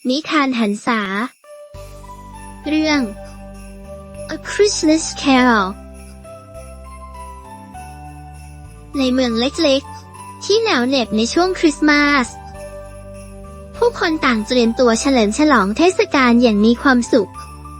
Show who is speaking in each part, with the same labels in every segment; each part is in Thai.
Speaker 1: นิทานหันษาเรื่อง A Christmas Carol ในเมืองเล็กๆที่หนาวเหน็บในช่วงคริสต์มาสผู้คนต่างเตรียมตัวเฉลิมฉลองเทศกาลอย่างมีความสุข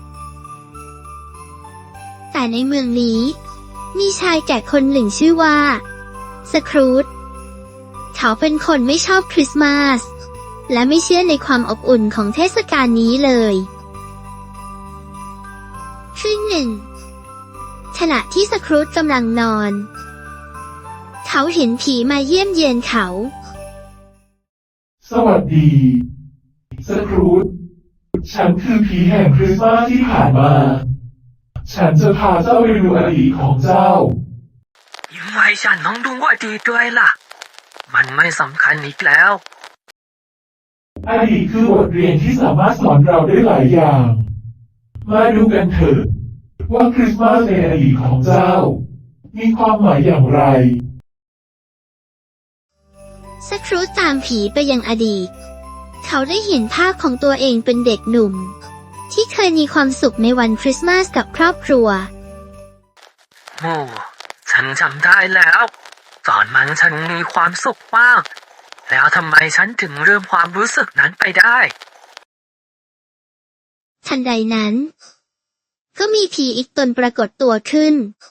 Speaker 1: แต่ในเมืองนี้มีชายแก่คนหนึ่งชื่อว่าสครูจเขาเป็นคนไม่ชอบคริสต์มาสและไม่เชื่อในความอบอุ่นของเทศกาลนี้เลยคืนหนึ่งขณะที่สครูจกำลังนอนเขาเห็นผีมาเยี่ยมเยียนเขา
Speaker 2: สวัสดีสครูจฉันคือผีแห่งคริสต์มาสที่ผ่านมาฉันจะพาเจ้าไปดูอดีตของเจ้า
Speaker 3: ทำไมฉันต้องดูอดีตด้วยล่ะมันไม่สำคัญอีกแล้ว
Speaker 2: อดีตคือบทเรียนที่สามารถสอนเราได้หลายอย่างมาดูกันเถอะว่าคริสต์มาสในอดีตของเจ้ามีความหมายอย่างไร
Speaker 1: สครูจตามผีไปยังอดีตเขาได้เห็นภาพของตัวเองเป็นเด็กหนุ่มที่เคยมีความสุขในวันคริสต์มาสกับครอบครัว
Speaker 3: โอ้ฉันจำได้แล้วตอนนั้นฉันมีความสุขมากแล้วทำไมฉันถึงลืมความรู้สึกนั้นไปได้
Speaker 1: ทันใดนั้นก็มีผีอีกตนปรากฏตัวขึ้น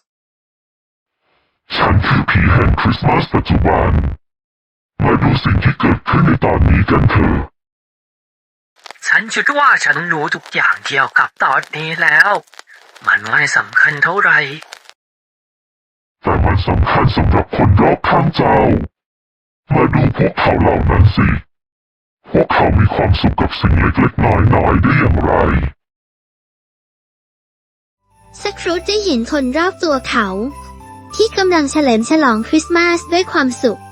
Speaker 4: ฉันคือผีแห่งคริสต์มาสปัจจุบันมาดูสิ่งที่เกิดขึ้นในตอนนี้กันเถอะ
Speaker 3: ฉันคิดว่าฉันรู้ทุกอย่างเกี่ยวกับตอนนี้แล้วมันไม่สำคัญเท่าไหร่
Speaker 4: แต่มันสำคัญสำหรับคนรอบข้างเจ้ามาดูพวกเขาเหล่านั้นสิพวกเขามีความสุขกับสิ่งเล็กๆน้อยๆได้อย่างไร
Speaker 1: สครูจได้เห็นคนรอบตัวเขาที่กำลังเฉลิมฉลองคริสต์มาสด้วยความสุข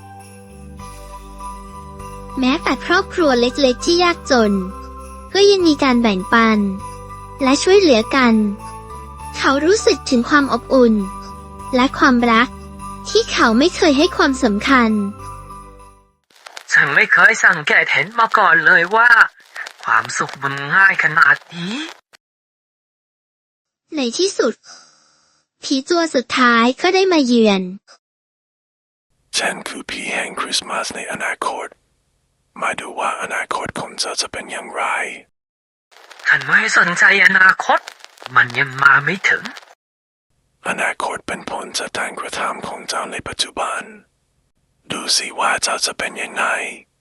Speaker 1: แม้แต่ครอบครัวเล็กๆที่ยากจนก็ยังมีการแบ่งปันและช่วยเหลือกันเขารู้สึกถึงความอบอุ่นและความรักที่เขาไม่เคยให้ความสำคัญ
Speaker 3: ฉันไม่เคยสังเกตเห็นมาก่อนเลยว่าความสุขมันง่ายขนาดนี้
Speaker 1: ในที่สุดผีตัวสุดท้ายก็ได้มาเยือน
Speaker 4: ฉันคือผีแห่งคริสต์มาสในอนาคตมาดูว่าอนาคตของเจ้าจะเป็นอย่างไร
Speaker 3: ฉันไม่สนใจอนาคตมันยังมาไม่ถึง
Speaker 4: อนาคตเป็นผลจากการกระทำของเจ้าในปัจจุบันดูสิว่าเจ้าจะเป็นยังไง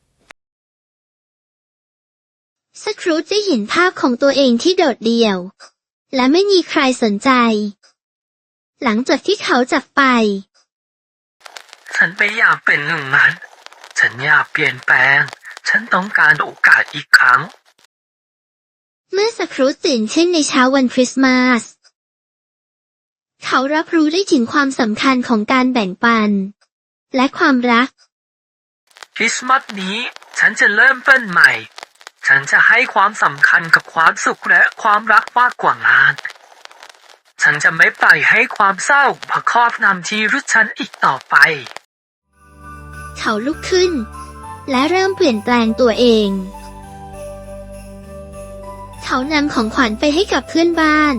Speaker 1: สครูจได้เห็นภาพของตัวเองที่โดดเดี่ยวและไม่มีใครสนใจหลังจากที่เขาจากไป
Speaker 3: ฉันไม่อยากเป็นหนึ่งนั้นฉันอยากเปลี่ยนแปลงฉันต้องการโอกาสอีกครั้ง
Speaker 1: เมื่อสครูจตื่นขึ้นในเช้าวันคริสต์มาสเขารับรู้ได้ถึงความสำคัญของการแบ่งปันและความรัก
Speaker 3: คริสต์มาสนี้ฉันจะเริ่มต้นใหม่ฉันจะให้ความสำคัญกับความสุขและความรักมากกว่างานฉันจะไม่ปล่อยให้ความเศร้ามาครอบงำชีวิตฉันอีกต่อไป
Speaker 1: เขาลุกขึ้นและเริ่มเปลี่ยนแปลงตัวเองเขานำของขวัญไปให้กับเพื่อนบ้าน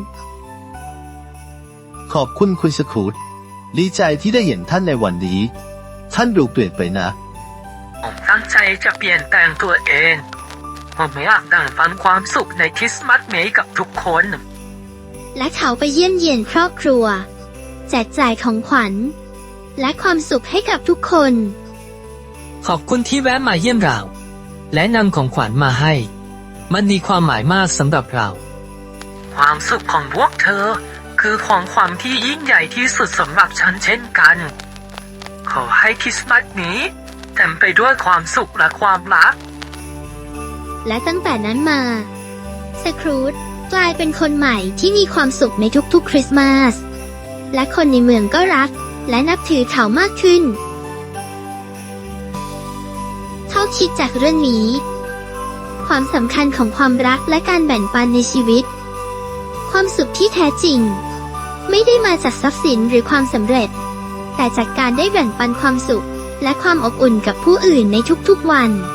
Speaker 5: ขอบคุณคุณสครูจดีใจที่ได้เห็นท่านในวันนี้ท่านดูเปลี่ยนไปนะ
Speaker 3: ผมตั้งใจจะเปลี่ยนแปลงตัวเองผมอยากแบ่งปันความสุขในคริสต์มาสนี้กับทุกคน
Speaker 1: และเขาไปเยี่ยมเยียนครอบครัวแจกจ่ายของขวัญและความสุขให้กับทุกคน
Speaker 3: ขอบคุณที่แวะมาเยี่ยมเราและนำของขวัญมาให้มันมีความหมายมากสำหรับเราความสุขของพวกเธอคือของขวัญที่ยิ่งใหญ่ที่สุดสำหรับฉันเช่นกันขอให้คริสต์มาสนี้เต็มไปด้วยความสุขและความรัก
Speaker 1: และตั้งแต่นั้นมาสครูจกลายเป็นคนใหม่ที่มีความสุขในทุกๆคริสต์มาสและคนในเมืองก็รักและนับถือเขามากขึ้นเขาคิดจากเรื่องนี้ความสำคัญของความรักและการแบ่งปันในชีวิตความสุขที่แท้จริงไม่ได้มาจากทรัพย์สินหรือความสำเร็จแต่จากการได้แบ่งปันความสุขและความอบอุ่นกับผู้อื่นในทุกๆวัน